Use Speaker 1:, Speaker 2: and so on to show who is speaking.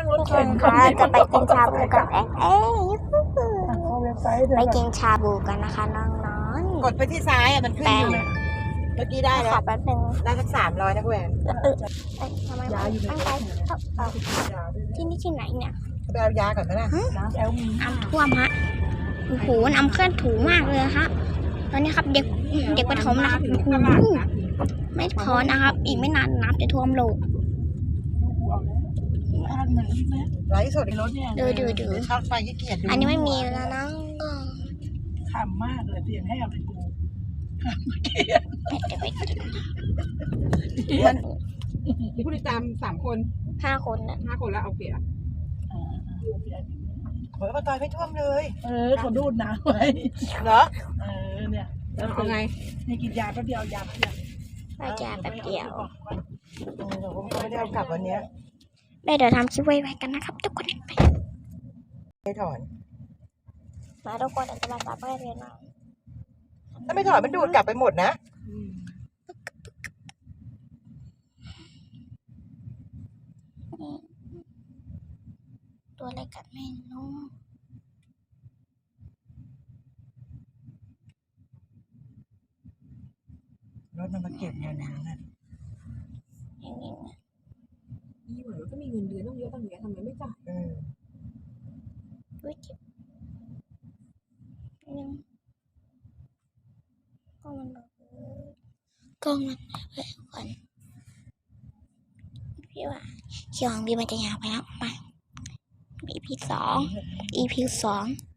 Speaker 1: งรถ
Speaker 2: ทุกค
Speaker 1: เข็
Speaker 2: น
Speaker 1: น
Speaker 2: คะจะไปกินชาบูกัน
Speaker 1: เข้าเว็บไซต์เดี๋
Speaker 2: ไป
Speaker 1: ยว
Speaker 2: กินชาบูกันนะคะน้อง
Speaker 3: กดไปที่ซ้ายอ่ะมันขึ้นอยู่เมื่อกี้ได้
Speaker 2: ๆข
Speaker 3: แล้
Speaker 2: อ
Speaker 3: ว
Speaker 2: แป๊บนึง
Speaker 3: ได้สัก300นะคุณแอน
Speaker 2: ทำไม
Speaker 1: ยาอยู่ใน
Speaker 2: ไม่ไปที่นี่ที่ไหนเนี่ย
Speaker 3: ไปเอายาก่อนไหมล่ะ
Speaker 1: น้ำแอลมี
Speaker 2: น้ำท่วมฮะโอ้โหน้ำเคลื่อนถูมากเลยฮะตอนนี้ครับเด็กประถมนะครับโอ้โหไม่พอนะครับ อีกไม่นานน้ำจะท่วมโลก
Speaker 1: อ่านเหมือนนะ
Speaker 3: ไลฟ์สด
Speaker 1: ในรถเนี่ย
Speaker 2: ดู
Speaker 3: ชอบไฟขี้เกียจดู
Speaker 2: อันนี้ไม่มีแล้วนะ
Speaker 1: ขำมากเลยเสียงแหบเลยกู
Speaker 2: เดี๋ยวไปกิน
Speaker 4: มีผู้ติดตาม3 คน
Speaker 2: 5 คนนะ
Speaker 4: 5 คนแล้วโอเคอ่ะ
Speaker 3: เหมือนว่าตอยไม่ท่วมเลย
Speaker 1: เขาดูดน้ำไว้
Speaker 3: เหรอ
Speaker 1: เนี่ยแล้ว
Speaker 4: เอาไง
Speaker 1: นี่กินยาแป๊บเดียวยาแป๊บเดียว
Speaker 2: ไปจ้าแป๊บเดียว
Speaker 3: เราไม่ได้เอากลับวันนี้
Speaker 2: เดี๋ยวทำคลิปไว้กันนะครับทุกคนไป
Speaker 3: ไม่ถอน
Speaker 2: มาทุกคนจะมาตัดเรียนน้อง
Speaker 3: ถ้าไม่ถอนมันดูดกลับไปหมดนะ
Speaker 2: ตัวอะไรกันไม่รู้
Speaker 3: รถมันมาเก็บเงินนะ
Speaker 2: อย่างนี้
Speaker 4: นี่เหมือนก็มีเงินเดือนต้องเยอะตั้งเยอะทำไมไม่จ่าย
Speaker 2: อุ้ยเจ็บยังก็มันแบบกล้องมันเลยก่อนพี่ว่าคิวของพี่มันจะยาวไปแล้วมา EP 2